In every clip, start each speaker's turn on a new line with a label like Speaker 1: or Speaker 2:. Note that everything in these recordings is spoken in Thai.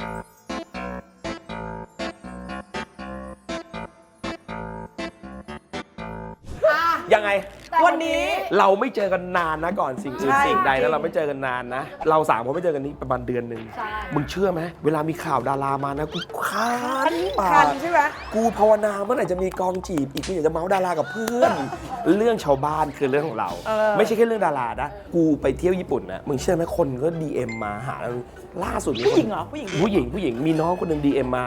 Speaker 1: ยังไง
Speaker 2: วันนี้
Speaker 1: เราไม่เจอกันนานนะก่อนสิ่งอื่นสิ่งใดแล้วเราไม่เจอกันนานนะเราสามคนไม่เจอกันนี้ประมาณเดือนหนึ่งมึงเชื่อไหมเวลามีข่าวดารามานะกูคันปาก
Speaker 2: ใช่ไหม
Speaker 1: กูภาวนาเมื่อไหร่จะมีกองจีบอีกกูอยากจะเมาส์ดารากับเพื่อน เรื่องชาวบ้านคือเรื่องของเราไม่ใช่แค่เรื่องดารานะกูไปเที่ยวญี่ปุ่นนะมึงเชื่อไหมคนก็ DM มาหาเราล่าสุด
Speaker 2: ผู้หญิงเหรอผู้หญิง
Speaker 1: มีน้องคนหนึ่ง DM มา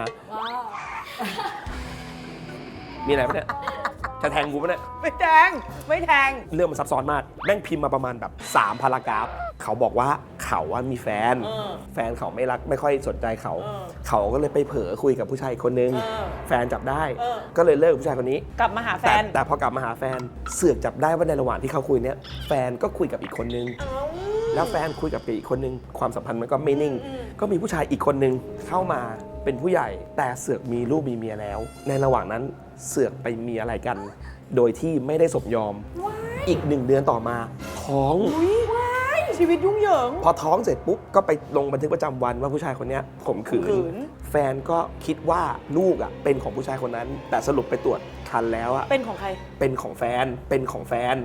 Speaker 1: มีอะไรปะเนี่ยจะแทงกูปะเนี่ย
Speaker 2: ไม่แทง
Speaker 1: เรื่องมันซับซ้อนมากแม่งพิมพ์มาประมาณแบบ3 พารากราฟเขาบอกว่าเขาว่ามีแฟนเขาไม่รักไม่ค่อยสนใจเขาก็เลยไปเผลอคุยกับผู้ชายคนนึงแฟนจับได้ก็เลยเลิกกับผู้ชายคนนี้
Speaker 2: กลับมาหาแฟน
Speaker 1: แต่พอกลับมาหาแฟนเสือกจับได้ว่าในระหว่างที่เขาคุยเนี้ยแฟนก็คุยกับอีกคนนึงแล้วแฟนคุยกับอีกคนนึงความสัมพันธ์มันก็ไม่นิ่งก็มีผู้ชายอีกคนนึงเข้ามาเป็นผู้ใหญ่แต่เสือกมีลูกมีเมียแล้วในระหว่างนั้นเสือกไปมีอะไรกันโดยที่ไม่ได้สมยอมอีก1 เดือนต่อมาท้อง
Speaker 2: ชีวิตยุ่งเหยิง
Speaker 1: พอท้องเสร็จปุ๊บก็ไปลงบันทึกประจำวันว่าผู้ชายคนนี้ข่มขืนแฟนก็คิดว่าลูกอ่ะเป็นของผู้ชายคนนั้นแต่สรุปไปตรวจคันแล้วอ่ะ
Speaker 2: เป็นของใคร
Speaker 1: เป็นของแฟนเป็นของแฟน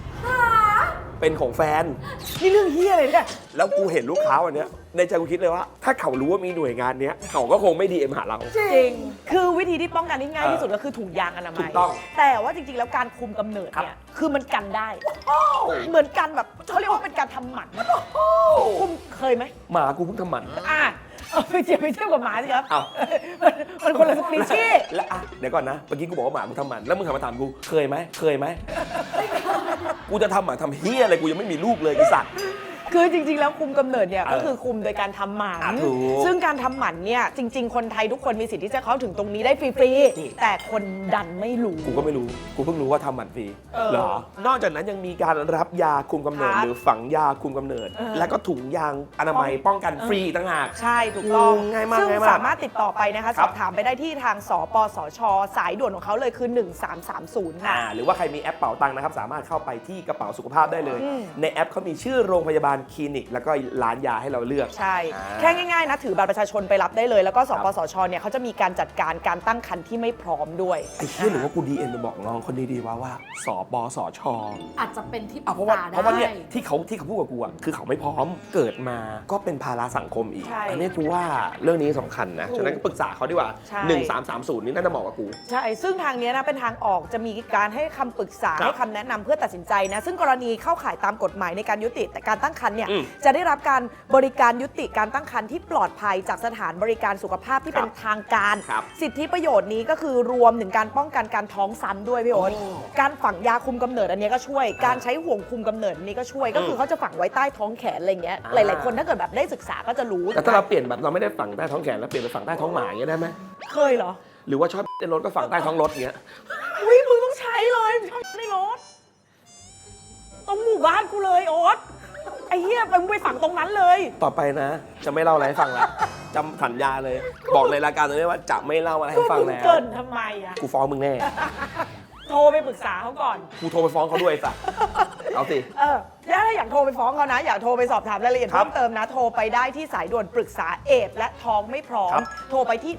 Speaker 2: นี่เรื่องเฮียอะไรเนี่ย
Speaker 1: แล้วกูเห็นลูกค้าวันนี้ในใจกูคิดเลยว่าถ้าเขารู้ว่ามีหน่วยงานนี้เขาก็คงไม่ DM หาเรา
Speaker 2: จริงคือวิธีที่ป้องกันที่ง่ายที่สุดก็คือถุงยางอนามัยแต่ว่าจริงๆแล้วการคุมกำเนิดเนี่ยคือมันกันได้เหมือนกันแบบเขาเรียกว่าเป็นการทำหมันคุมเคยไหม
Speaker 1: หมากูเพิ่งทำหมัน
Speaker 2: ไปเทียบกับหมาสิครับมันคนละสปีชีส์
Speaker 1: แล้วเดี๋ยวก่อนนะเมื่อกี้กูบอกว่าหมากูทำหมันแล้วมึงถามมาถามกูเคยไหมกูจะทำหมันทำเฮียอะไรกูยังไม่มีลูกเลยไอ้สัตว์
Speaker 2: คือจริงๆแล้วคุมกำเนิดเนี่ยก็คือคุมโดยการทำหมันซึ่งการทำหมันเนี่ยจริงๆคนไทยทุกคนมีสิทธิ์ที่จะเข้าถึงตรงนี้ได้ฟรีๆแต่คนดันไม่รู้
Speaker 1: กูก็ไม่รู้กูเพิ่งรู้ว่าทำหมันฟรีเหรอนอกจากนั้นยังมีการรับยาคุมกำเนิดหรือฝังยาคุมกำเนิดแล้วก็ถุงยางอนามัยป้องกันฟรีต่างหาก
Speaker 2: ใช่ถูกต้องง่ายมากซึ่งสามารถติดต่อไปนะคะสอบถามไปได้ที่ทางสปสช.สายด่วนของเขาเลยคือ1330ค่ะ
Speaker 1: หรือว่าใครมีแอปเป๋าตังค์นะครับสามารถเข้าไปที่กระเป๋าสุขภาพได้เลยในแอปเขามีชื่อโรงพยาบาลคลินิกแล้วก็ร้านยาให้เราเลือก
Speaker 2: ใช่แค่ง่ายๆนะถือบัตรประชาชนไปรับได้เลยแล้วก็สปสช.เนี่ยเขาจะมีการจัดการการตั้งครรภ์ที่ไม่พร้อมด้วย
Speaker 1: ไอ้เหี้ยหรือว่ากูDMไปบอกน้องคนดีๆว่าสปสช.
Speaker 3: อาจจะเป็นที่ปรึกษาได้
Speaker 1: เพราะว่าเนี่ยที่เขาพูดกับกูอ่ะคือเขาไม่พร้อมเกิดมาก็เป็นภาระสังคมอีกอันนี้กูว่าเรื่องนี้สำคัญนะฉะนั้นก็ปรึกษาเขาดีกว่า1330นี่น่าจะเหมาะกับกู
Speaker 2: ใช่ซึ่งทางนี้นะเป็นทางออกจะมีการให้คำปรึกษาให้คำแนะนำเพื่อตัดสินใจนะซึ่งกรณีเข้าข่ายตามกฎหมายในการยุติแต่การตั้งครรภ์เนี่ยจะได้รับการบริการยุติการตั้งครรภ์ที่ปลอดภัยจากสถานบริการสุขภาพที่เป็นทางการสิทธิประโยชน์นี้ก็คือรวมถึงการป้องกันการท้องซ้ำด้วยพี่โอ๊ตการฝังยาคุมกำเนิดอันนี้ก็ช่วยการใช้ห่วงคุมกำเนิดนี้ก็ช่วยก็คือเขาจะฝังไว้ใต้ท้องแขนอะไรเงี้ยหลายๆคนถ้าเกิดแบบได้ศึกษาก็จะรู้
Speaker 1: แต่ถ้าเราเปลี่ยนแบบเราไม่ได้ฝังใต้ท้องแขนแล้วเปลี่ยนไปฝังใต้ท้องหมาอย่างเงี้ยได้ไหม
Speaker 2: เคยเหรอ
Speaker 1: หรือว่าชอบในรถก็ฝังใต้ท้องรถเงี้ย
Speaker 2: อุ้ยมึงต้องใช้เลยชอบในรถตรงหมู่บ้านกูเลยโอ๊ตไอ้เหี้ยมึงไปฝังตรงนั้นเลย
Speaker 1: ต่อไปนะจะไม่เล่าอะไรให้ฟังแล้วจำสัญญาเลยบอกในรายการตรงนี้ว่าจะไม่เล่าอะไรให้ฟังแล้ว
Speaker 2: เกินทำไมอะ
Speaker 1: กูฟ้องมึงแน่
Speaker 2: โทรไปปรึกษาเขาก่อน
Speaker 1: กูโทรไปฟ้องเขาด้วยสักเอาสิ
Speaker 2: ถ้าอยากโทรไปฟ้องเขานะอยากโทรไปสอบถามรายละเอียดเพิ่มเติมนะโทรไปได้ที่สายด่วนปรึกษาเอดส์และท้องไม่พร้อมโทรไปที่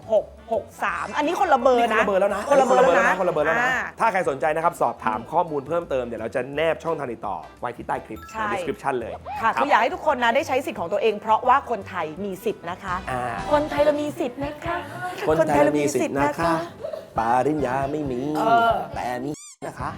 Speaker 2: 1663อันนี้คนละเบอร์นะ
Speaker 1: คนละเบอร์แล้วนะถ้าใครสนใจนะครับสอบถามข้อมูลเพิ่มเติมเดี๋ยวเราจะแนบช่องทางติดต่อไว้ที่ใต้คลิปใน description เลย
Speaker 2: ค่ะคืออยากให้ทุกคนนะได้ใช้สิทธิ์ของตัวเองเพราะว่าคนไทยมีสิทธิ์นะคะคนไทยเรามีสิทธิ์นะคะ
Speaker 1: คนไทยเรามีสิทธิ์นะคะปริญญาไม่มีแต่มีนะคะ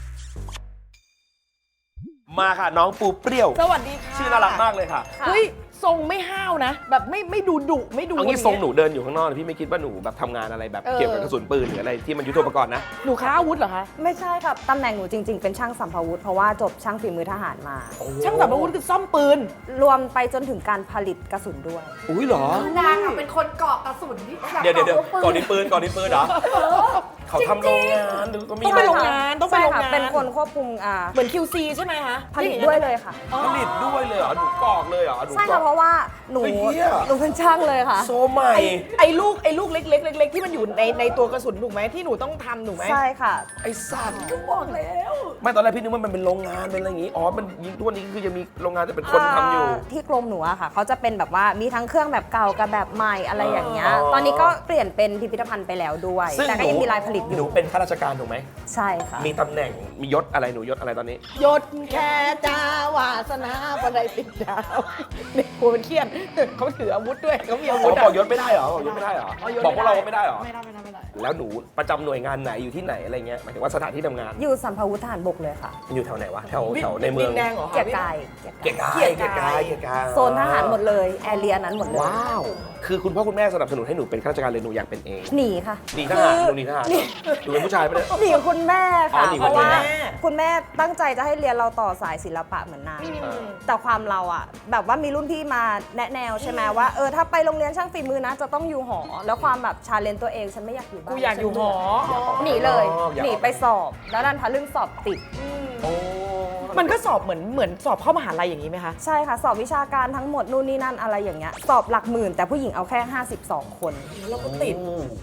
Speaker 1: มาค่ะน้องปูเปรี้ยว
Speaker 2: สวัสดีค่ะ
Speaker 1: ชื่อน่ารักมากเลยค่ะ
Speaker 2: เฮ้ยทรงไม่ห้าวนะ แบบไม่ดูดุไม่ดู
Speaker 1: เอางี้
Speaker 2: ย่า
Speaker 1: ทรง
Speaker 2: เย
Speaker 1: หนูเดินอยู่ข้างนอกพี่ไม่คิดว่าหนูแบบทำงานอะไรแบบเกี่ยวกับกระสุนปืนหรืออะไรที่มันยุทโธปกรณ์นะ
Speaker 2: หนูค้าอาวุธเหรอคะ
Speaker 4: ไม่ใช่ค่ะตำแหน่งหนูจริง ๆ เป็นช่างสัมภาวุธเพราะว่าจบช่างฝีมือทหารมา
Speaker 2: ช่างสัมภาวุธคือซ่อมปืน
Speaker 4: รวมไปจนถึงการผลิตกระสุนด้วย
Speaker 1: อุ้ยเหรอ
Speaker 3: คือนางอะเป็นคนเกาะกระสุนที่แบบ
Speaker 1: เดี๋ยว
Speaker 3: ปื
Speaker 1: ก่อนนี้ปืนเหรอเขาทำโรงงานหรือก็มี
Speaker 2: ต้องไปโรงงานต้องไป
Speaker 4: ใช่
Speaker 2: โรง
Speaker 4: ค่ะ
Speaker 2: งาน
Speaker 4: เป็นคนควบคุม
Speaker 2: เหมือน QC ใช่ไหมคะ
Speaker 4: ผลิตด้วยเลยค่ะ
Speaker 1: ผลิตด้วยเลยเหรอหนูกรอกเลยเหรอหนู
Speaker 4: ใช่
Speaker 1: กรอ
Speaker 4: ค่ะ
Speaker 1: ก
Speaker 4: เพราะว่าหนู
Speaker 1: เฮ้ยเหี้ย
Speaker 4: หนูเป็นช่างเลยค่ะ
Speaker 1: โซใหม่
Speaker 2: ไอ้ลูกเล็กๆที่มันอยู่ในตัวกระสุนถูกไหมที่หนูต้องทำถูกไหม
Speaker 4: ใช่ค่ะ
Speaker 1: ไอ้สัตว์ก็บอกแล้วไม่ตอนแรกพี่นึกว่ามันเป็นโรงงานเป็นอะไรอย่างงี้อ๋อมันยิงทุกวันนี้คือยังมีโรงงานแต่เป็นคนทำอยู่
Speaker 4: ที่กรมหนูอะค่ะเขาจะเป็นแบบว่ามีทั้งเครื่องแบบเก่ากับแบบใหม่อะไรอย่างเงี้ย
Speaker 1: อ๋อ
Speaker 4: ตอนนี้ก็เปลี่ยนเป็นพิพิธภัณฑ์ไปแล้วด้วย
Speaker 1: ซึ่ง
Speaker 4: แต่ก็ยังมีลายผลิตอ
Speaker 1: หนู
Speaker 4: ยู่
Speaker 1: เป็นข้าราชการถูกไหม
Speaker 4: ใช่ค่ะ
Speaker 1: มีตำแหน่งมียศอะไรหนูยศอะไรตอนนี้
Speaker 2: ยศแค่จ้าวาสนาบันไดติดดาวเนี่ยกลัวมันเครียดเขาถืออาวุธด้วยเขามีอา
Speaker 1: อ๋
Speaker 2: วุ
Speaker 1: อ
Speaker 2: ธ
Speaker 1: บอกยศไม่ได้เหรอบอกยศไม่ได้เหรอ
Speaker 2: ยศ
Speaker 1: บอกพวกเราว่าไม่ได้เหรอ
Speaker 3: ไม่ได้
Speaker 1: แล้วหนูประจำหน่วยงานไหนอยู่ที่ไหนอะไรเงี้ยหมายถึงว่าสถานที่ทำงาน
Speaker 4: อยู่สัมภาวุธทหารบกเลยค่ะ
Speaker 1: มันอยู่แถวไหนวะแถวในเมือง
Speaker 2: ดินแดงเหรอคะ
Speaker 4: เกียรติกาย
Speaker 1: เกียรติกาย
Speaker 4: โซนทหารหมดเลยแอเรียนั้นหมดเลย
Speaker 1: ว้าวคือคุณพ่อคุณแม่สนับสนุนให้หนูเป็นข้าราชการเลยหนูอยากเป็นเอง
Speaker 4: หนีค่ะ
Speaker 1: หนีทหารหนูหนีทหารเหรอหนูเป็นผู้ชายไปะเลย
Speaker 4: หนีคุณแม่
Speaker 1: อ๋อ
Speaker 4: ค่ะ
Speaker 1: หนี
Speaker 4: เพ
Speaker 1: คุณ
Speaker 4: ราะ
Speaker 1: แม่
Speaker 4: ว่าคุณแม่ตั้งใจจะให้เรียนเราต่อสายศิลปะเหมือนนางแต่ความเราอะแบบว่ามีรุ่นพี่มาแนะแนวใช่ไหมว่าถ้าไปโรงเรียนช่างฝีมือนะจะต้องอยู่หอ แล้วความแบบชาเลนจ์ตัวเองฉันไม่อยากอยู่บ้าน
Speaker 2: กูอยากอยู่หอ
Speaker 4: หนีเลย
Speaker 1: อยากออก
Speaker 4: หนีไปสอบ แล้วดันทะลึ่งสอบติด
Speaker 1: โอ้
Speaker 2: มันก็สอบเหมือนสอบเข้ามหาลัยอย่างนี้ไหมคะ
Speaker 4: ใช่ค่ะ สอบวิชาการทั้งหมดนู่นนี่นั่นอะไรอย่างเงี้ยสอบหลักหมื่น แต่ผู้หญิงเอาแค่ 52 คน
Speaker 2: แล้วก็ติด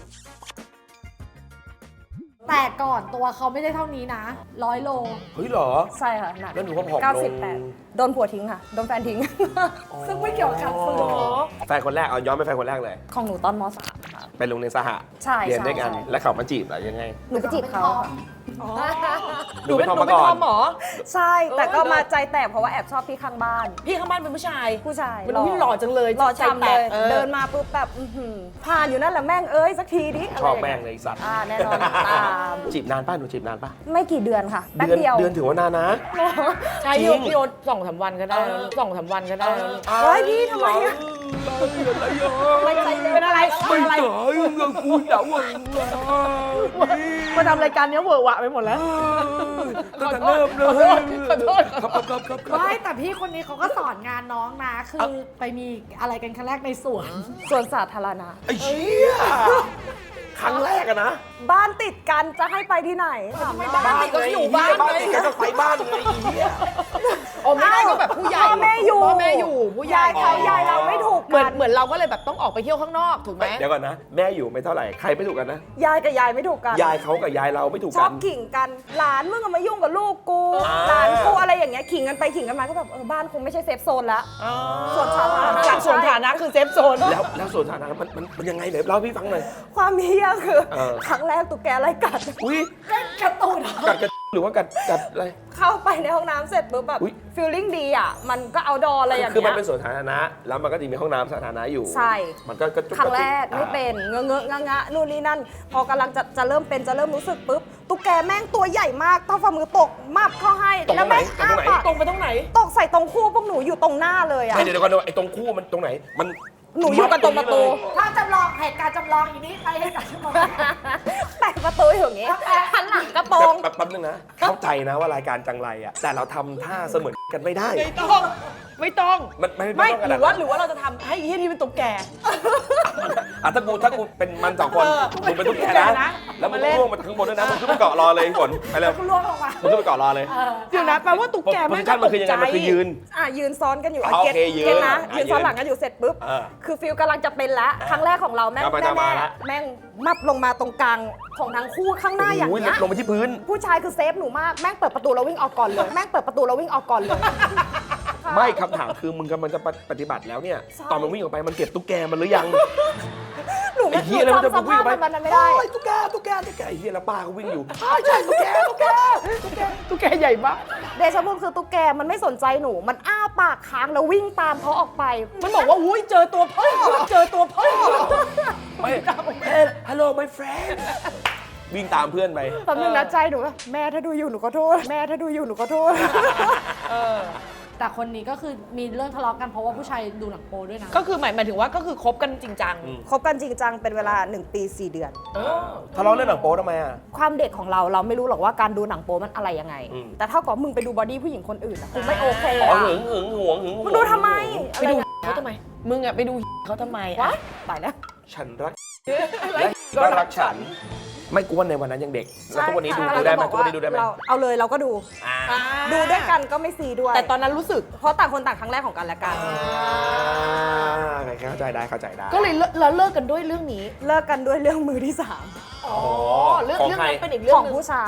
Speaker 3: แต่ก่อนตัวเขาไม่ได้เท่านี้นะ100 โล
Speaker 1: เฮ้ยเหรอ
Speaker 4: ใช่ค่ะหนัก
Speaker 1: แล้วหนูก็ผอมลง
Speaker 4: 98 โดนผัวทิ้งค่ะ โดนแฟนทิ้ง
Speaker 3: ซึ่งไม่เกี่ยวกับการฝึก
Speaker 1: แฟนคนแรกเอาย้อนไปแฟนคนแรกเลย
Speaker 4: ของหนูตอนม .3 ค่ะ
Speaker 1: ไปโรงเรียนสหะ
Speaker 4: ใช่
Speaker 1: เรียนด้วยกัน
Speaker 4: ใช่
Speaker 1: แล้วเขามาจีบเหรอยังไง
Speaker 4: หนูไปจีบเขาค่ะ
Speaker 1: หนูเป็นทอม
Speaker 2: หนู
Speaker 1: มา
Speaker 2: เป็น
Speaker 1: ก่อ
Speaker 2: ท
Speaker 1: น
Speaker 2: อมเหรอ
Speaker 4: ใช่ แต่ก็มาใจแตกเพราะว่าแอบชอบพี่ข้างบ้าน
Speaker 2: พี่ข้างบ้านเป็นผู้ชาย
Speaker 4: ผู้ชาย
Speaker 2: มันพี่หล่อจังเลย
Speaker 4: หล่อ
Speaker 2: ใจ
Speaker 4: ช้ำ
Speaker 2: แต
Speaker 4: เล
Speaker 2: ก
Speaker 4: ย เดินมาปุ๊บแบบผ่านอยู่นั่นแหละแม่งเอ้ยสักทีดิะไร
Speaker 1: ชอบ
Speaker 4: ย่า
Speaker 1: แม่ง
Speaker 4: เย
Speaker 1: เลยไอ้สัตว์
Speaker 4: แน่นอนตาม
Speaker 1: จีบนานป้าหนูจีบนานป้า
Speaker 4: ไม่กี่เดือนค่ะแป๊บเดียว
Speaker 1: เดือนถือว่านานนะ
Speaker 2: ใช่
Speaker 1: จริ
Speaker 2: พี่
Speaker 1: ง
Speaker 2: พี่โอ๊ต2-3 วันก็ได้แล้ว2-3 วันก็ได้แล้ว
Speaker 4: เฮ้ยพี่ทำไมอะ
Speaker 2: ไม่ใจเป็นอะไรเป็นอะไร
Speaker 1: กูเดาว่า
Speaker 2: มาทำรายการเนี้ยเวอร์วะไปหมดแล้ว
Speaker 1: ตั้งแต่เริ่มเลย
Speaker 2: ขอโทษ
Speaker 1: ครับ
Speaker 3: ไม่แต่พี่คนนี้เขาก็สอนงานน้องนะ คือไปมีอะไรกันครั้งแรกในสวน
Speaker 4: ส่วนสาธารณะ
Speaker 1: ไอ้เชี่ยครั้งแรกอะนะ
Speaker 4: บ้านติดกันจะให้ไปที่ไหนถามหน่อย
Speaker 2: บ้านติดก็อยู่บ้าน
Speaker 1: บ้านติดกันก็ไปบ้านไงไอ้เหี้ย
Speaker 2: โอ้ไม่ได้ก็แบบผู้ใหญ่
Speaker 4: พ่อแม่อยู่
Speaker 2: พ่อแม่อยู่ผู้ใหญ่
Speaker 4: ยายเขายายเราไม่ถูก
Speaker 2: เหมื
Speaker 4: กั
Speaker 2: อน
Speaker 4: น
Speaker 2: เหมือนเราก็เลยแบบต้องออกไปเที่ยวข้างนอกถูกไหม
Speaker 1: เดี๋ยวก่อนนะ แม่อยู่ไม่เท่าไหร่ใครไม่ถูกกันนะ
Speaker 4: ยายกับยายไม่ถูกกัน
Speaker 1: ยายเขากับยายเราไม่ถูก
Speaker 4: ช
Speaker 1: กั
Speaker 4: อน บขิงกัน หลานมึงอะมายุ่งกับลูกกู
Speaker 1: อ่า
Speaker 4: หลานกูอะไรอย่างเงี้ยขิงกันไปขิงกันมาก็แบบบ้านคงไม่ใช่เซฟโซนละ ส่วนสาธารณะ
Speaker 2: จากส่วนฐานะคือเซฟโซน
Speaker 1: แล้วส่วนฐานะมันยังไงไหนเล่าให้พี่ฟังหน่อย
Speaker 4: ความเฮี้ยคือ
Speaker 1: เ
Speaker 4: ครั้งแรกตุ๊กแกไล่กัด
Speaker 1: อุ้ย
Speaker 3: กระตูน
Speaker 1: กัดหรือว่ากัดอะไร
Speaker 4: เข้าไปในห้องน้ำเสร็จปุ๊บแบบ
Speaker 1: อุ๊ย
Speaker 4: ฟีลลิ่งดีอ่ะ มันก็เอาดออะไรอย่าง
Speaker 1: คือมัน
Speaker 4: เงี้ย
Speaker 1: เป็นส่วนสาธารณะแล้วมันก็จะมีห้องน้ำสาธารณะอยู่
Speaker 4: ใช่
Speaker 1: มันก็
Speaker 4: ครั้งแรกไม่เป็นเงอะเงอะงะงะนู่นนี่นั่น พอกำลังจะเริ่มเป็นจะเริ่มรู้สึกปุ๊บตุ๊กแกแม่งตัวใหญ่มากเท่าฝ่ามือตกมับเข้าให้
Speaker 1: ตรง
Speaker 4: แล้ว
Speaker 1: ไหน
Speaker 4: แม่ง
Speaker 1: ตรงไหน
Speaker 4: อ้าปาก
Speaker 2: ตรงไปตรงไหน
Speaker 4: ตกใส่ตรงคู่พวกหนูอยู่ตรงหน้าเลยอ่ะ
Speaker 1: ไม่เดี๋ยวก่อนไอ้ตรงคู่มันตรงไหนมัน
Speaker 4: หนูอยู่กันตรงประตู
Speaker 3: ถ้าจำลองเหตุการณ์จำลองอีนี้ใครให้การจำลอง
Speaker 4: แปะประตูอยู่อย่างงี้หันหลังกระโปรง
Speaker 1: แป๊บนึงนะ เข้าใจนะว่ารายการจังไรอะแต่เราทำท่าเสมือนกันไม่ได้
Speaker 2: ไม่ต้อง
Speaker 1: มันไม่
Speaker 2: ไม่
Speaker 1: ต้อง
Speaker 2: หรือว่าเราจะทำให้ที่นี่เป็นตุ๊กแก
Speaker 1: ถ้ากูเป็นมันสองคนมึงเป็นตุ๊กแก
Speaker 2: ตุ๊กแก
Speaker 1: นะ
Speaker 2: นะ
Speaker 1: แล้วมึง
Speaker 2: มาเล่น
Speaker 1: ล่วงมาข้างบนด้วยนะมึงขึ้นไปเกาะรอเลยฝนไปเร็ว
Speaker 3: คุณล่วงลงมา
Speaker 1: มึงขึ้นไปเกาะรอเลย
Speaker 2: เดี๋ยวนะแปลว่าตุ๊กแก
Speaker 1: โพ
Speaker 2: ไม่
Speaker 1: สิชั่นมันคือยังไงมันคือยืน
Speaker 4: ยืนซ้อนกันอยู่
Speaker 1: โอเคยืน
Speaker 4: เก็ตนะ
Speaker 1: อ่ะ
Speaker 4: ยืนซ้อน
Speaker 1: ยืน
Speaker 4: หลังกันอยู่เสร็จปุ๊บ
Speaker 1: เออ
Speaker 4: คือฟิลกำลังจะเป็นแล้วครั้งแรกของเราแม่ง
Speaker 1: กลับมา
Speaker 4: แน่
Speaker 1: มาละ
Speaker 4: ๆแม่งมับลงมาตรงกลางของทั้งคู่ข้างหน้าอย่าง
Speaker 1: โอ้ย
Speaker 4: เงี้ย
Speaker 1: ลงไปที่พื้น
Speaker 4: ผู้ชายคือเซฟหนูมากแม่งเปิดประตูแล้ววิ่งออกก่อนเลยแม่งเปิดประตูแล้ววิ่งออกก่อนเลย
Speaker 1: ไม่คำถามคือมึงกำลังจะปฏิบัติแล้วเนี่ย
Speaker 4: ใช่
Speaker 1: ตอนมันวิ่งออกไปมันเก็บตุ๊กแกมันหรือยัง
Speaker 4: หนูไม่
Speaker 1: ไอ้เหี้ยแล้วมันจะ
Speaker 4: จำส
Speaker 1: วิ่ง
Speaker 4: ภา
Speaker 1: อ
Speaker 4: พ
Speaker 1: อกไป
Speaker 4: มันไม่ได้
Speaker 1: โอ้ยตุ๊กแกไอ้เหี้ยแล้วป้าก็วิ่งอยู่ใช่ตุ๊กแก
Speaker 2: ตุ๊กแกใหญ่มาก
Speaker 4: เดชะบุญคือตุ๊กแกมันไม่สนใจหนูมันอ้าปากค้างแล้ววิ่งตามเขาออกไป
Speaker 2: มันบอกว่าอุ้ยเจอตัวพ่อเจอตัวพ่อ
Speaker 1: ไม่ฮัลโหล my friend วิ่งตามเพื่อนไป
Speaker 4: ตอนนึงนะใจหนูว่าแม่ถ้าดูอยู่หนูขอโทษแม่ถ้าดูอยู่หนูขอโทษ
Speaker 3: แต่คนนี้ก็คือมีเรื่องทะเลาะกันเพราะว่าผู้ชายดูหนังโป๊ด้วยนะ
Speaker 2: ก็คือหมายถึงว่าก็คือคบกันจริงจัง
Speaker 4: คบกันจริงจังเป็นเวลา 1 ปี 4 เดือน
Speaker 1: ทะเลาะเรื่องหนังโป๊ทำไมอ่ะ
Speaker 4: ความเด็กของเราไม่รู้หรอกว่าการดูหนังโป๊มันอะไรยังไง
Speaker 1: อืม
Speaker 4: แต่เท่ากับมึงไปดูบอดี้ผู้หญิงคนอื่นอะกูไม่โอเค
Speaker 1: อ๋อ
Speaker 4: อะ
Speaker 1: หึงหึงหวงหึงหวง
Speaker 4: มึงดูทำไม
Speaker 2: ไปดู
Speaker 4: อะไรอย่างเงี้ย
Speaker 2: เขาทำไม มึงอะไปดูเขาทำไม
Speaker 4: วะ
Speaker 2: อะ
Speaker 4: ตายแล้ว
Speaker 1: ฉันรักและก็รักฉัน ไม่กวนในวันนั้นยังเด็ก แล้วทุกวันนี้ดูได้ไหมทุกวันนี้ดูได้ไหม
Speaker 4: เราเอาเลยเราก็ดู
Speaker 1: อ่า
Speaker 4: ดูด้วยกันก็ไม่ซีด้วย
Speaker 2: แต่ตอนนั้นรู้สึก
Speaker 4: เพราะต่างคนต่างครั้งแรกของกันและกัน
Speaker 1: เข้าใจได้เข้าใจได้
Speaker 2: ก็เลยเราเลิกกันด้วยเรื่องนี้
Speaker 4: เลิกกันด้วยเรื่องมือที่
Speaker 2: อ๋อ เรื่อง
Speaker 1: ของ
Speaker 2: เรื่อง
Speaker 1: ใคร
Speaker 2: นั้นเป็นอีก
Speaker 4: 3
Speaker 2: เรื่อ
Speaker 4: ของ ง
Speaker 2: หนึง
Speaker 4: ผู้ชาย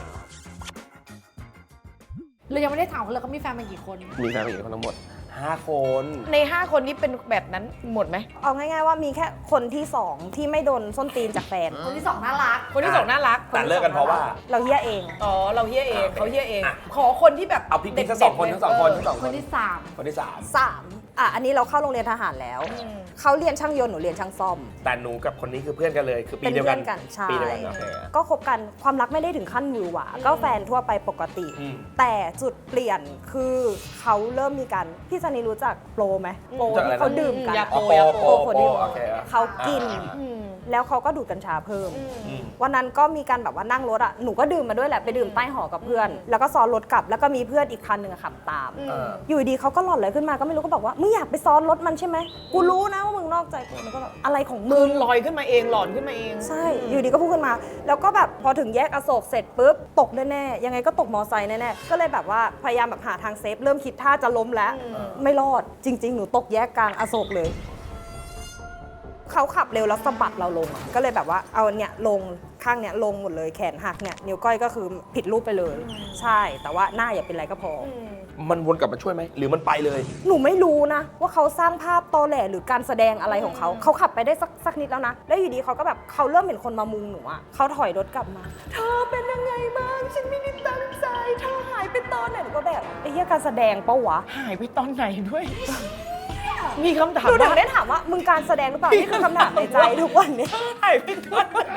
Speaker 3: เรายังไม่ได้ถามเขาเลยเขามีแฟนมากี่คน
Speaker 1: มีแฟนผู้หญิงคนทั้งหมด 5 คน
Speaker 2: ใน 5 คนนี้เป็นแบบนั้นหมดไหม
Speaker 4: เอาง่ายๆว่ามีแค่คนที่ 2 ที่ไม่โดนส้นตีนจากแฟน
Speaker 3: คนที่สองน่ารัก
Speaker 2: คนที่สองน่ารัก
Speaker 1: แต่เลิกกันเพราะว่า
Speaker 4: เราเฮี้ยเอง
Speaker 2: อ๋อ เราเฮี้ยเองเขาเฮี้ยเอง
Speaker 1: อ่ะ
Speaker 2: ขอคนที่แบบ
Speaker 1: เอาพี่ทั้ง
Speaker 2: เด็กๆ
Speaker 1: 2 คน
Speaker 2: เลย
Speaker 1: ทั้ง 2 คนทั้ง 2
Speaker 3: ค
Speaker 1: คน
Speaker 3: นที่สาม
Speaker 1: คนที่
Speaker 4: 3 อันนี้เราเข้าโรงเรียนทหารแล้ว เขาเรียนช่างยนต์หนูเรียนช่างซ่อม
Speaker 1: 3 แต่หนูกับคนนี้คือเพื่อนกันเลย คือปี
Speaker 4: เป็น
Speaker 1: เดียว
Speaker 4: เพื่
Speaker 1: กั
Speaker 4: อน นกันใช่
Speaker 1: ปีเดียวกันโอเค
Speaker 4: ก็คบกันความรักไม่ได้ถึงขั้นหวือหวาก็แฟนทั่วไปปกติ
Speaker 1: อืม
Speaker 4: แต่จุดเปลี่ยนคือเขาเริ่มมีกันพี่ซันนี่รู้จักโปรไหมโปร
Speaker 1: รู้จักอะไร
Speaker 4: ที่
Speaker 1: นะ
Speaker 4: เขาดื่มกัน
Speaker 2: ยา
Speaker 1: อ๋
Speaker 2: โป
Speaker 1: อ
Speaker 2: ยา
Speaker 1: โป
Speaker 2: โป
Speaker 1: ร
Speaker 4: โปรดิว
Speaker 1: โอเค
Speaker 4: เขากิน
Speaker 2: อืม
Speaker 4: แล้วเขาก็ดูดกัญชาเพิ่ม
Speaker 1: อืม
Speaker 4: วันนั้นก็มีการแบบว่านั่งรถอ่ะ หนูก็ดื่มมาด้วยแหละ ไปดื่มใต้หอกับเพื่อน แล้วก็ซ้อนรถกลับ แล้วก็มีเพื่อนอีกคันหนึ่งอะขับตาม
Speaker 1: เออ
Speaker 4: อยู่ดีเขาก็หลอนเลยขึ้นมา ก็ไม่รู้ก็บอกว่า มึงอยากไปซ้อนรถมันใช่ไหม กูรู้นะว่ามึงนอกใจกูมันก็แบบอะไรของมึ
Speaker 2: คื
Speaker 4: ง
Speaker 2: นลอยขึ้นมาเองหลอนขึ้นมาเอง
Speaker 4: ใช่ อยู่ดีก็พูดขึ้นมา แล้วก็แบบพอถึงแยกอโศกเสร็จปุ๊บ ตกแน่ๆ ยังไงก็ตกมอไซค์แน่ๆ ก็เลยแบบว่าพยายามแบบหาทางเซฟ เริ่มคิดท่าจะล้มแล้ว ไม่รอด จริง ๆ หนูตกแยกกลางอโศกเลย เขาขับเร็วแล้วสะบัดเราลงอะก็เลยแบบว่าเอาเนี่ยลงข้างเนี่ยลงหมดเลยแขนหักเนี่ยนิ้วก้อยก็คือผิดรูปไปเลย ใช่ แต่ว่าหน้าอย่าเป็นไรก็พออ
Speaker 1: มันวนกลับมาช่วยไหม หรือมันไปเลย
Speaker 4: หนูไม่รู้นะว่าเขาสร้างภาพตอแหลหรือการแสดงอะไรของเขา เขาขับไปได้สักนิดแล้วนะ แล้วอยู่ดีเขาก็แบบเขาเริ่มเห็นคนมามุงหนูอะเขาถอยรถกลับมา เธอเป็นยังไงบ้าง ฉันไม่ได้ตั้งใจ เธอหายไปตอนไหนหนูก็แบบไอ้เหี้ยการแสดงปะวะ
Speaker 2: หายไปตอนไหนด้วย มีคำถาม
Speaker 4: หนูถึ
Speaker 2: ว่าง
Speaker 4: ได้ถามว่ามึงการแสดงหรือเปล่า นี่คือคำถามในใจทุกวันนี้
Speaker 2: หายไปตอนไหน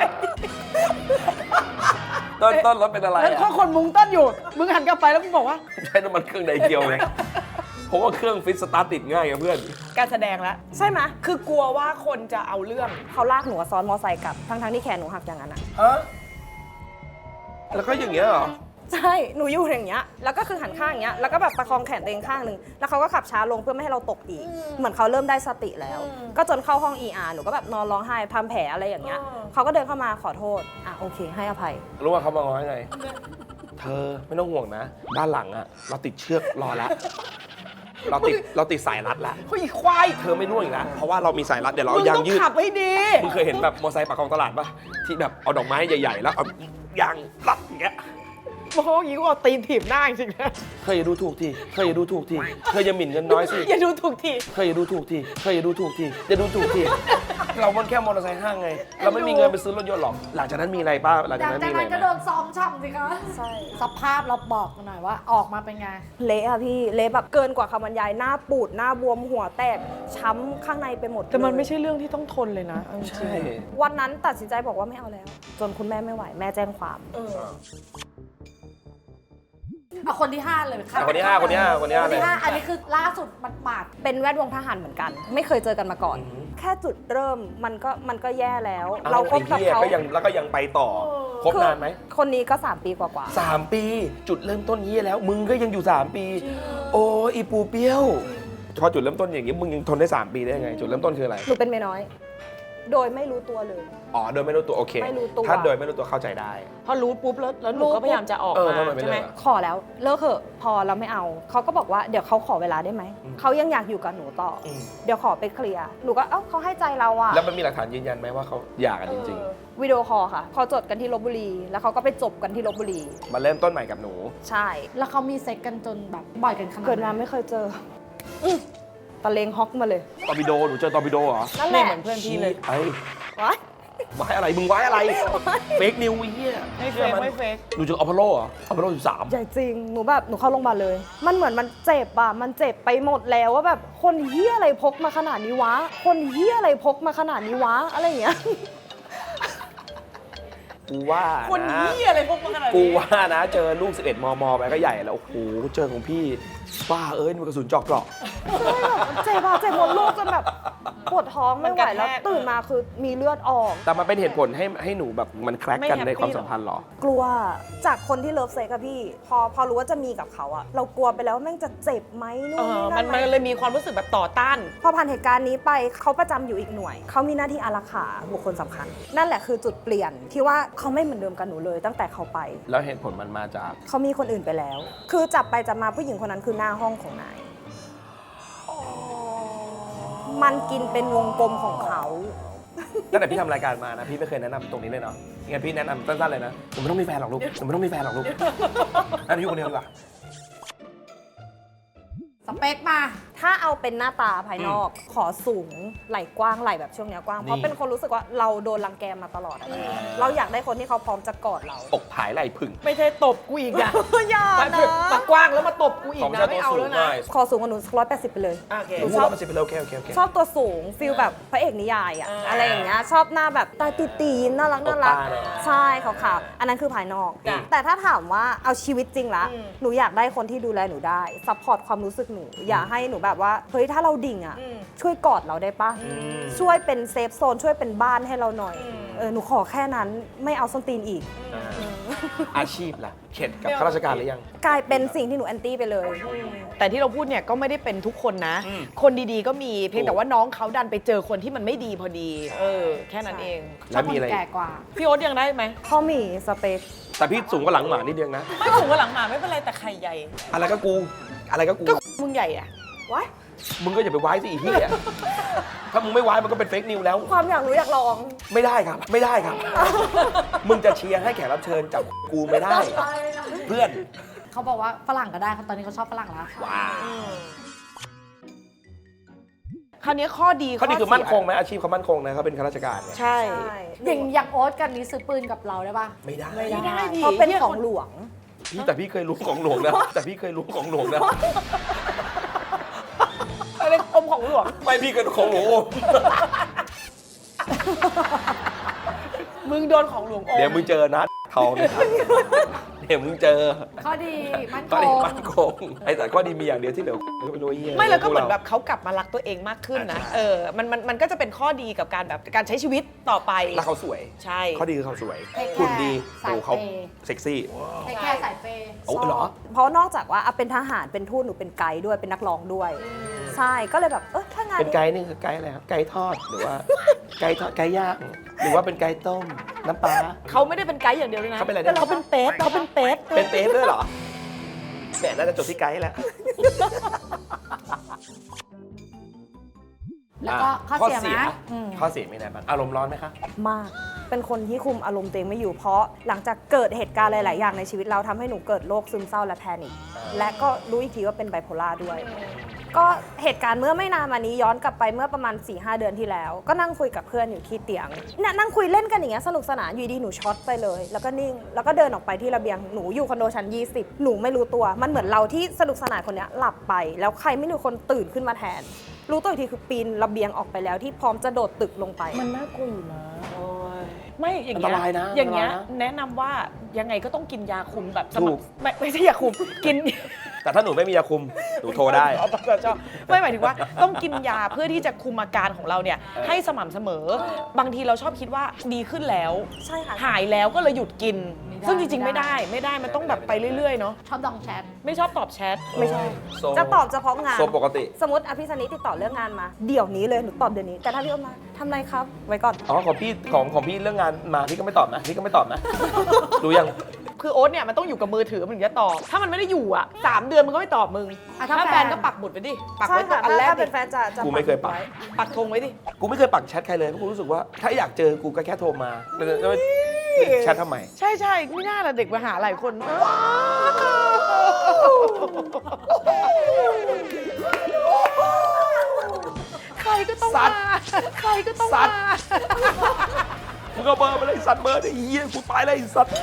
Speaker 1: ต้นรถเป็นอะไร
Speaker 2: แล้วก็
Speaker 1: อะ
Speaker 2: คนมุงต้นอยู่ มึงหันกลับไปแล้วมึงบอกว่า
Speaker 1: ใช้น้ำมันเครื่องไดเกียวเลยเพราะว่าเครื่องฟิตสตาร์ทติดง่ายกับเพื่อน
Speaker 2: การแสดงแล้ว
Speaker 4: ใช่ไหม
Speaker 2: คือกลัวว่าคนจะเอาเรื่อง
Speaker 4: เขาลากหนูอะซ้อนมอไซค์กลับ ทั้งๆที่แขนหนูหักอย่างนั้นอะ
Speaker 1: ฮะ แล้วก็อย่างเงี้ยเหรอ
Speaker 4: ใช่ หนูอยู่อย่างเงี้ย แล้วก็คือหันข้างอย่างเงี้ย แล้วก็แบบประคองแขนตัวเองข้างหนึ่ง แล้วเขาก็ขับช้าลงเพื่อไม่ให้เราตกอีก เหมือนเขาเริ่มได้สติแล้ว ก็จนเข้าห้อง ER หนูก็แบบนอนร้องไห้ทำแผลอะไรอย่างเงี้ย เขาก็เดินเข้ามาขอโทษ อ่ะโอเค ให้อภัย
Speaker 1: รู้ว่าเขามาง้อยังไง เธอไม่ต้องห่วงนะ ด้านหลังอะเราติดเชือกรอแล้ว เราติดสายรัดแล้ว
Speaker 2: เฮ้ยควาย
Speaker 1: เธอไม่ร่วงอีกแล้ว เพราะว่าเรามีสายรัดเดี๋ยวเรา
Speaker 2: มึ
Speaker 1: เอา
Speaker 2: ง
Speaker 1: ยาง
Speaker 2: ต้อง
Speaker 1: ยืด
Speaker 2: ขับให้ดี
Speaker 1: มึงเคยเห็นแบบมอเตอร์ไซค์ปากคลองตลาดปะที่แบบเอาดอกไม้ใหญ่ๆ แล้วเอายางรัดอย่างเงี้ย
Speaker 2: มองอย่างนี้ก็เอาตีนถีบหน้าจริงๆนะ
Speaker 1: เธออย่าดูถูกทีเธออย่าดูถูกทีเธออย่าหมิ่นเงินน้อยสิ
Speaker 2: อย่าดูถูกที
Speaker 1: เธออย่าดูถูกทีเธออย่าดูถูกทีอย่าดูถูกทีเรามันแค่มอเตอร์ไซค์ห้างไง เราไม่มีเงินไปซื้อรถยนต์หรอก หลังจากนั้นมีอะไรป้าหลัง
Speaker 3: ห
Speaker 1: จาก
Speaker 3: ลัง
Speaker 1: นั้น
Speaker 3: จาก
Speaker 1: มีอะไร
Speaker 3: นั้นก็
Speaker 1: ไห
Speaker 3: โด
Speaker 1: ม
Speaker 3: นซ้อมช่ำสิคะ
Speaker 4: ใช่
Speaker 3: สภาพเราบอกหน่อยว่าออกมาเป็นไง
Speaker 4: เละอะพี่ เละแบบเกินกว่าคำบรรยาย หน้าปูด หน้าบวม หัวแตก ช้ำข้างในไปหมด
Speaker 2: แต่มัน
Speaker 4: เลย
Speaker 2: ไม่ใช่เรื่องที่ต้องทนเลยนะเอาจริง
Speaker 1: ใช่
Speaker 4: วันนั้นตัดสินใจบอกว่าไม่เอาแล้ว จนคุณแม่ไม่ไหว แม่แจ้งความ
Speaker 3: เอาคนที่ 5 เลยค่ะ
Speaker 1: คนที่ห้าคนที่ห้าคนที่ห้า
Speaker 3: คน
Speaker 1: เลย
Speaker 3: ที่ห้าอันนี้คือล่าสุดหมาด
Speaker 4: เป็นแวดวงทหารเหมือนกัน ไม่เคยเจอกันมาก่อน แค่จุดเริ่มมันก็แย่แล้ว เราคบกับ
Speaker 1: ไอ้หี้ย
Speaker 4: เขา
Speaker 1: ก็ยังแล้วก็ยังไปต่อ คบนานไหม
Speaker 4: คนนี้ก็ 3 ปีกว่า
Speaker 1: 3 ปี จุดเริ่มต้นเฮียแล้ว มึงก็ยังอยู่ 3 ปี โอ้อีปูเปี้ยว พอจุดเริ่มต้นอย่างนี้มึงยังทนได้ 3 ปีได้ยังไง จุดเริ่มต้นคืออะไร
Speaker 4: ๆหนูเป็นเมียน้อย โดยไม่รู้ตัวเลย
Speaker 1: อ๋อ โดยไม่รู้ตัว โอเค
Speaker 4: ไม่รู้ตัว
Speaker 1: ถ้าโดยไม่รู้ตัวเข้าใจได้
Speaker 2: พอรู้ปุ๊บแล้วหนูก็พยายามจะออก
Speaker 1: เออ
Speaker 2: มา
Speaker 1: ทำไมไม่
Speaker 2: ใช่ไหม
Speaker 1: เลิกอะ
Speaker 4: ขอแล้วเลิกเถอะพอเราไม่เอา เขาก็บอกว่าเดี๋ยวเขาขอเวลาได้ไหม เขายังอยากอยู่กับหนูต่ออ
Speaker 1: ม
Speaker 4: เดี๋ยวขอไปเคลียร์ หนูก็เอ้าเขาให้ใจเราอะ
Speaker 1: แล้วมันมีหลักฐานยืนยันไหมว่าเขาหย่ากันจริง
Speaker 4: วิดีโอคอลค่ะเขาจดกันที่ลบบุรี แล้วเขาก็ไปจบกันที่ลบบุรี
Speaker 1: ๆ มาเริ่มต้นใหม่กับหนู
Speaker 4: ใช่
Speaker 3: แล้วเขามีเซ็กกันจนแบบบ่อยกันขนาด
Speaker 4: เกิด
Speaker 3: ไหน
Speaker 4: มาไม่เคยเจอตะเลงฮอกมาเลย
Speaker 1: ตอร์ปิโด หนูเจอตอร์ปิโดเหรอ
Speaker 4: นั่นแห
Speaker 2: นี่
Speaker 4: ละ
Speaker 2: เหมือนเพื่อนพี่เลย
Speaker 1: ไอ้
Speaker 4: วะ
Speaker 1: ไว้อะไร มึงไว้อะไร เฟกนิวไอ้เหี้ย
Speaker 2: ไม่เฟกไม่เฟก
Speaker 1: หนูเจออพอลโลเหรออพอลโล13
Speaker 4: ใหญ่จริง หนูแบบหนูเข้าโรงพยาบาลเลย มันเหมือนมันเจ็บอะมันเจ็บไปหมดแล้วว่าแบบคนเฮี้ยอะไรพกมาขนาดนี้วะ คนเฮี้ยอะไรพกมาขนาดนี้วะ อะไรอย่างเงี้ย
Speaker 1: กูว่า
Speaker 2: คน
Speaker 1: นะ
Speaker 2: นี้อะไรพวกมันขนาด
Speaker 1: กู
Speaker 2: นี้
Speaker 1: ว่านะ เจอลูก 11 มม ไปก็ใหญ่แล้ว โอ้โห เจอของพี่บ้ามันกระสุนเจาะเกราะ
Speaker 4: เจ็บอะเจ็บหมดลูกจนแบบปวดท้องไม่ไหวแล้วตื่นมาคือมีเลือดออก
Speaker 1: แต่มันเป็นเหตุผลให้หนูแบบมันแคร็กกันในความสัมพันธ์เหรอ
Speaker 4: กลัวจากคนที่เลิฟเซ็กอะพี่ พอรู้ว่าจะมีกับเขาอะเรากลัวไปแล้วว่าแม่งจะเจ็บไหมนู่นนี่
Speaker 2: มั
Speaker 4: นั่
Speaker 2: น
Speaker 4: นไหม
Speaker 2: เลยมีความรู้สึกแบบต่อต้าน
Speaker 4: พอผ่านเหตุการณ์นี้ไปเขาประจำอยู่อีกหน่วย เขามีหน้าที่อารักขาบุคคลสำคัญ นั่นแหละคือจุดเปลี่ยนที่ว่าเขาไม่เหมือนเดิมกับหนูเลยตั้งแต่เขาไป
Speaker 1: แล้วเหตุผลมันมาจาก
Speaker 4: เขามีคนอื่นไปแล้ว คือจับไปจับมาผู้หญิงคนนั้นคือหน้าห้องของนาย มันกินเป็นวงกลมของเขา
Speaker 1: ตั้งแต่พี่ทำรายการมานะพี่ไม่เคยแนะนำตรงนี้เลยเนาะงั้นพี่แนะนำสั้นๆเลยนะหนูไม่ต้องมีแฟนหรอกลูกหนูไม่ต้องมีแฟนหรอกลูกนั่นอยู่คนเดียวดีกว่า
Speaker 3: สเปคมา
Speaker 4: ถ้าเอาเป็นหน้าตาภายนอก ขอสูงไหล่กว้างไหล่แบบช่วงเนี้ยกว้าง เพราะเป็นคนรู้สึกว่าเราโดนรังแกมาตลอดอะเราอยากได้คนที่เขาพร้อมจะกอดเรา
Speaker 1: อกผายไหล่ผึ่ง
Speaker 2: ไม่ใช่ตบกูอีกอะ
Speaker 4: อย่านะ
Speaker 2: ปากกว้างแล้วมาตบกูอีกนะไม่เอาแล้วนะ
Speaker 4: ขอสูงกว่าหนู180ไปเลย
Speaker 2: โอเค
Speaker 1: หนูชอบมันสิเป็นโอเคโอเค
Speaker 4: ชอบตัวสูงฟิลแบบพระเอกนิยายอะอะไรอย่างเงี้ยชอบหน้าแบบตาตีๆยิ้มน่ารักน่ารัก
Speaker 1: ตบตาเลย
Speaker 4: ใช่ขาวๆอันนั้นคือภายนอก
Speaker 2: จ้ะ
Speaker 4: แต่ถ้าถามว่าเอาชีวิตจริงละ
Speaker 2: อืม
Speaker 4: หนูอยากได้คนที่ดูแลหนูได้ซัพพอร์ตความรู้สึกหนูอย่าให้หนูแบบว่าเฮ้ยถ้าเราดิ่งอะช่วยกอดเราได้ปะช่วยเป็นเซฟโซนช่วยเป็นบ้านให้เราหน่อยหนูขอแค่นั้นไม่เอาส้นตีนอีก
Speaker 1: อาชีพล่ะเข็ดกับข้าราชการหรือยัง
Speaker 4: กลายเป็นสิ่งที่หนูแอนตี้ไปเลย
Speaker 2: แต่ที่เราพูดเนี่ยก็ไม่ได้เป็นทุกคนนะ
Speaker 1: อืม
Speaker 2: คนดีๆก็มีเพียงแต่ว่าน้องเขาดันไปเจอคนที่มันไม่ดีพอดี แค่นั้นเอง
Speaker 3: ชอ
Speaker 1: แล้
Speaker 3: บ
Speaker 1: ว
Speaker 3: ค
Speaker 1: มี
Speaker 3: น
Speaker 1: อะไร
Speaker 3: แก่กว่า
Speaker 2: พี่โอ๊ตยังได้ไหม
Speaker 4: พ่อหมีสเปค
Speaker 1: แต่พี่สูงกว่าหลังหมานิดเดียวนะ
Speaker 2: ไม่สูงกว่าหลังหมาไม่เป็นไรแต่ไข่ใหญ่
Speaker 1: อะไรก็กูอะไรก็กู
Speaker 2: มึงใหญ่อะ
Speaker 4: ว้าย
Speaker 1: มึงก็อย่าไปไว้สิอีที่ถ้ามึงไม่ไว้มันก็เป็นเฟกนิวแล้ว
Speaker 4: ความอยากรู้อยากลอง
Speaker 1: ไม่ได้ครับ ไม่ได้ครับ มึงจะเชียร์ให้แขกรับเชิญจับกูไม่ได้ เพื่อน
Speaker 3: เขาบอกว่าฝรั่งก็ได้ตอนนี้เขาชอบฝรั่งแล้ว
Speaker 2: คราวนี้ข้อดี
Speaker 1: เขาดีคือ
Speaker 2: เสีย
Speaker 1: มั่นคงไหมอาชีพเขามั่นคงนะเขาเป็นข้าราชการเนี่ย
Speaker 2: ใช่
Speaker 3: อย่างโอ๊ตกันนี้ซื้อปืนกับเราได้ปะ
Speaker 1: ไม่ได้
Speaker 2: ไม่ได้ดิ
Speaker 4: เพราะเป็นของหลวง
Speaker 1: พี่แต่พี่เคยรู้ของหลวงนะแต่พี่เคยรู้ของหลวงนะ
Speaker 2: อะไรอมของหลวง
Speaker 1: ไม่พี่เคยรู้ของหลวง
Speaker 2: มึงโดนของหลวงอม
Speaker 1: เดี๋ยวมึงเจอนะทองเนี่ยเดี๋ยวมึงเจอ
Speaker 3: ข้อดีมั่นค
Speaker 1: ก็ดี
Speaker 3: ง
Speaker 1: มั่นคงไอ้แต่ก็ดีมีอย่างเดียวที่เหลือก็ไม่รู้เหี้ย
Speaker 2: ไม่แล้วก็เหมือนแบบเขากลับมารักตัวเองมากขึ้นนะมันก็จะเป็นข้อดีกับการแบบการใช้ชีวิตต่อไป
Speaker 1: แล้วเขาสวย
Speaker 2: ใช่
Speaker 1: เขาดีคือเขาสวย
Speaker 3: Take care
Speaker 1: หุ่นดี
Speaker 3: สาย
Speaker 1: โอ้เขา
Speaker 3: เปย์
Speaker 1: เซ็กซี่
Speaker 3: แต่แค่สายเปย์
Speaker 1: โอ้เหรอ
Speaker 4: เพราะนอกจากว่าเป็นทหารเป็นทูตหนูเป็นไกด์ด้วยเป็นนักร้องด้วย ใช่ก็เลยแบบถ้างาน
Speaker 1: เป็นไก่นี่คือไก่อะไรครับไก่ทอดหรือว่า ไก่ทอดไก่ย่างหรือว่าเป็นไก่ต้มน้ำปลา
Speaker 2: เขาไม่ได้เป็นไกด์อย่างเดียวเลยนะ
Speaker 1: เขาเป็นอะไรนะ
Speaker 2: เขาเป็นเป๊ะเขาเป็นเป๊ะ
Speaker 1: เป็นเต๊ด้วยเหรอแหมน่าจะจบที่ไก่แล้ว
Speaker 3: แล้วก็ข้อเสียไหมอืม
Speaker 1: ข้อเสียมีอะไรบ้างอารมณ์ร้อนไหมคะ
Speaker 4: มาก เป็นคนที่คุมอารมณ์ตัวเองไม่อยู่เพราะหลังจากเกิดเหตุการณ์หลาย ๆ อย่างในชีวิตเราทำให้หนูเกิดโรคซึมเศร้าและแพนิคและก็รู้อีกทีว่าเป็นไบโพล่าด้วย ก็เหตุการณ์เมื่อไม่นานมานี้ย้อนกลับไปเมื่อประมาณ 4-5 เดือนที่แล้ว ก็นั่งคุยกับเพื่อนอยู่ที่เตียงเนี่ยนั่งคุยเล่นกันอย่างเงี้ยสนุกสนานอยู่ดีหนูช็อตไปเลย แล้วก็นิ่งแล้วก็เดินออกไปที่ระเบียงหนูอยู่คอนโดชั้น20หนูไม่รู้ตัวมันเหมือนเราที่สนุกสนานคนเนี้ยหลับไป แล้วใครไม่รู้คนตื่นขึ้นมาแทน รู้ตัวอีกทีคือปีนระเบียงออกไปแล้วที่พร้อมจะโดดตึกลงไป
Speaker 2: มันน่ากลัวอยู่นะไม่อย่าง
Speaker 1: อัน
Speaker 2: เงี้
Speaker 1: ตรายนะ
Speaker 2: อย่างเงี้ย
Speaker 1: อันตรายนะ
Speaker 2: แนะนำว่ายังไงก็ต้องกินยาคุมแบบส
Speaker 1: ถู
Speaker 2: ม่
Speaker 1: ก
Speaker 2: ำไม่ใช่ยาคุมกิน
Speaker 1: แต่ถ้าหนูไม่มียาคุมหนูโทรได้
Speaker 2: ไม่หมายถึงว่าต้องกินยาเพื่อที่จะคุมอาการของเราเนี่ยให้สม่ำเสมอ บางทีเราชอบคิดว่าดีขึ้นแล้ว
Speaker 4: ใช่ค่ะ
Speaker 2: หายแล้วก็เลยหยุดกิน
Speaker 3: ไม่ได้
Speaker 2: ซึ่งจริงๆไม่ได้มันต้องแบบไปเรื่อยๆเนาะ
Speaker 3: ชอบดองแชท
Speaker 2: ไม่ชอบตอบแชท
Speaker 4: ไม่ใช่
Speaker 1: โซ
Speaker 4: จะตอบเฉพาะงาน
Speaker 1: โซปกติ
Speaker 4: สมมติอภิสนิติดต่อเรื่องงานมา เดี๋ยวนี้เลยหนูตอบเดี๋ยวนี้ แต่ถ้าพี่อ้นมาทำไรครับ ไว้ก่อน
Speaker 1: อ๋อของพี่ของพี่เรื่องงานมาพี่ก็ไม่ตอบนะพี่ก็ไม่ตอบนะ รู้ยัง
Speaker 2: คือโอ๊ตเนี่ยมันต้องอยู่กับมือถือมันถึงจะตอบ ถ้ามันไม่ได้อยู่อ่ะ3 เดือนมันก็ไม่ตอบมึง
Speaker 3: อ่ะถ้า
Speaker 2: ถ้า
Speaker 3: แฟ
Speaker 2: แฟ
Speaker 3: น
Speaker 2: นก็ปักหมุดไปดิปัก
Speaker 4: ใช่
Speaker 2: ไว้ตัว
Speaker 4: ค่ะ
Speaker 2: อันแรก
Speaker 4: ถ้า
Speaker 2: ดิ
Speaker 4: เป็นแฟนจะ
Speaker 1: กูไม่เคยปัก
Speaker 4: ไว้
Speaker 2: ปักธงไว้ดิ
Speaker 1: กูไม่เคยปักแชทใครเลยเพราะกูรู้สึกว่าถ้าอยากเจอกูก็แค่โทรมาแล้วแชททำไม
Speaker 2: ใช่ใช่ไม่น่าละเด็กมาหาหลายคนใครก็ต้อง
Speaker 1: สั
Speaker 2: มา
Speaker 1: ตว์
Speaker 2: ใครก็ต้อง
Speaker 1: สั
Speaker 2: มา
Speaker 1: ตว์ มึงเอาเบอร์มาเลยสัตว์เบอร์ไอ้เหี้ยกูตายเลยไอ้สัตว์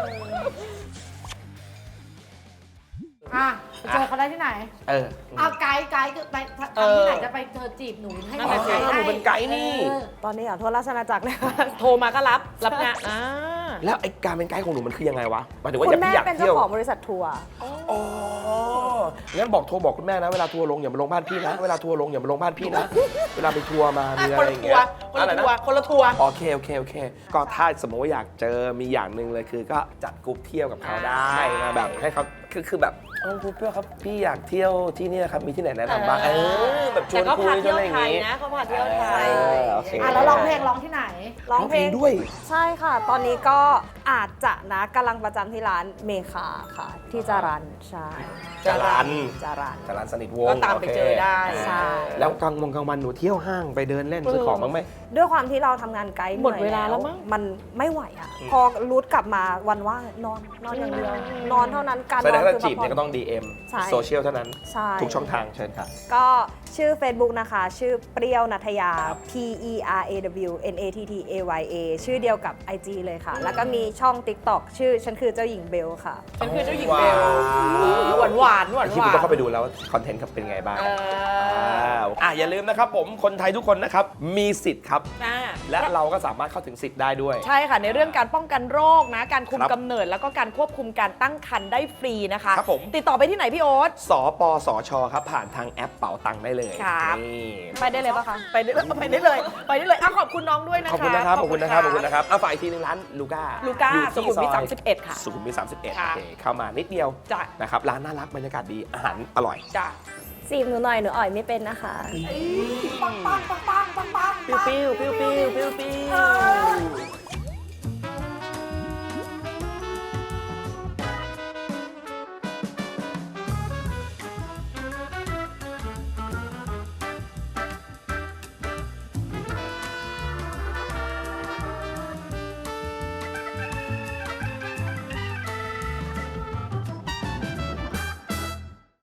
Speaker 3: อ่ะไปเจอเขาได้ที่ไหน เอาไกด์คือไปทำที่ไหนจะไปเจอจีบหนูให้
Speaker 2: นั่นแหละสิ
Speaker 1: หนูเป็นไกด์นี่
Speaker 4: ตอนนี้อ่ะทั่วราชอาณาจักรเลยค่ะ
Speaker 2: โทรมาก็รับงาน
Speaker 1: แล้วไอ้การเป็นไกด์ของหนูมันคือยังไงวะหมายถึงว่า
Speaker 4: คุณแม่
Speaker 1: พี่อยาก
Speaker 4: เป็น
Speaker 1: เที่
Speaker 4: เจ้า
Speaker 1: ยว
Speaker 4: ของบริษัททัวร์
Speaker 1: อ๋องั้นบอกโทรบอกคุณแม่นะเวลาทัวร์ลงอย่ามาลงบ้านพี่นะเวลาทัวร์ลงอย่ามาลงบ้านพี่นะเวลาไปทัวร์มามีอะไรอย่างเงี้ย
Speaker 2: คนละทัวร์คนละทัวร์
Speaker 1: โอเคก็ถ้าสมมติว่าอยากเจอมีอย่างหนึ่งเลยคือก็จัดกรุ๊ปเที่ยวกับเขาได้นะแบบให้เขาคือแบบคุณเพื่อนครับพี่อยากเที่ยวที่นี่ครับมีที่ไหนแนะนำบ้างแบบชวนคุยชวนอะไรอย่างงี้
Speaker 4: เขาพาเที่ยวไทย
Speaker 1: โอเค
Speaker 3: แล้วร้องเพลงร้องที่ไหน
Speaker 4: ร้องเพลง
Speaker 1: ด้วย
Speaker 4: ใช่ค่ะ ตอนนี้ก็อาจจะนะกำลังประจำที่ร้านเมคาค่ะ ที่จารันใช่
Speaker 1: จรัญ
Speaker 4: จารัน
Speaker 1: จรัญสนิทวงศ์
Speaker 2: ก็ตามไปเจอได้
Speaker 4: ใช่
Speaker 1: แล้วกลางวันหนูเที่ยวห้างไปเดินเล่นซื้อของบ้างไหม
Speaker 4: ด้วยความที่เราทำงานไกด์
Speaker 2: หมดเวลาแล้วมั้ง
Speaker 4: มันไม่ไหวอ่ะ พอรูทกลับมาวันว่างนอนอย่างเดียว นอนเท่านั้นการ
Speaker 1: แสด
Speaker 4: น
Speaker 1: ง
Speaker 4: อน
Speaker 1: ว่า
Speaker 4: คือ
Speaker 1: จีบ
Speaker 4: พักผ่
Speaker 1: เนี่ย
Speaker 4: อน
Speaker 1: ก็ต้อง DM
Speaker 4: ใช่
Speaker 1: โซเชียลเท่านั้น
Speaker 4: ใช่
Speaker 1: ทุกช่องทางเชิญค่ะ
Speaker 4: ก็ชื่อ Facebook นะคะ ชื่อเปรี้ยวนัทยา
Speaker 1: ครับ
Speaker 4: PERAWNATTAYA ชื่อเดียวกับ IG เลยค่ะ แล้วก็มีช่อง TikTok ชื่อฉันคือเจ้าหญิงเบลค่ะ
Speaker 2: ฉันคือเจ้าหญิงเบลหวานหวานหวาน
Speaker 1: ที่คุณต้องเข้าไปดูแล้วว่าคอนเทนต์ครับเป็นไงบ้างอย่าลืมนะครับผมคนไทยทุกคนนะครับมีสิทธิ์ครับ และเราก็สามารถเข้าถึงสิทธิ์ได้ด้วย
Speaker 2: ใช่ค่ะในเรื่องการป้องกันโรคนะการคุม
Speaker 1: ครับ
Speaker 2: กำเนิดแล้วก็การควบคุมการตั้งครรภ์ได้ฟรีนะคะ
Speaker 1: ครับผม
Speaker 2: ติดต่อไปที่ไหนพี่โอ๊ต
Speaker 1: สปสชครับผ่านทางแอปเป๋าตังค์ได้เลย
Speaker 2: ครับ
Speaker 1: นี่
Speaker 4: ไปได้เลยปะคะ
Speaker 2: ไปได้เลยไปได้เลยขอบคุณน้องด้วยนะคะ
Speaker 1: ขอบคุณนะครับฝ่ายทีนึงร้านลูก้า
Speaker 2: ลูก้า
Speaker 1: อยู่
Speaker 2: สุ
Speaker 1: ที่
Speaker 2: ขุมวิท
Speaker 1: ซอย
Speaker 2: 31 ค่ะ
Speaker 1: สุขุมวิท31
Speaker 2: ค่ะ
Speaker 1: โอเคเข้ามานิดเดียว
Speaker 2: จ้ะ
Speaker 1: นะครับร้านน่ารักบรรยากาศดีอาหารอร่อย
Speaker 2: จ้ะ
Speaker 4: จีบหนูหน่อยหนูอ่อยไม่เป็นนะคะ
Speaker 2: ปิ้วปิ้วปิ้วปิ้วปิ้วปิ้ว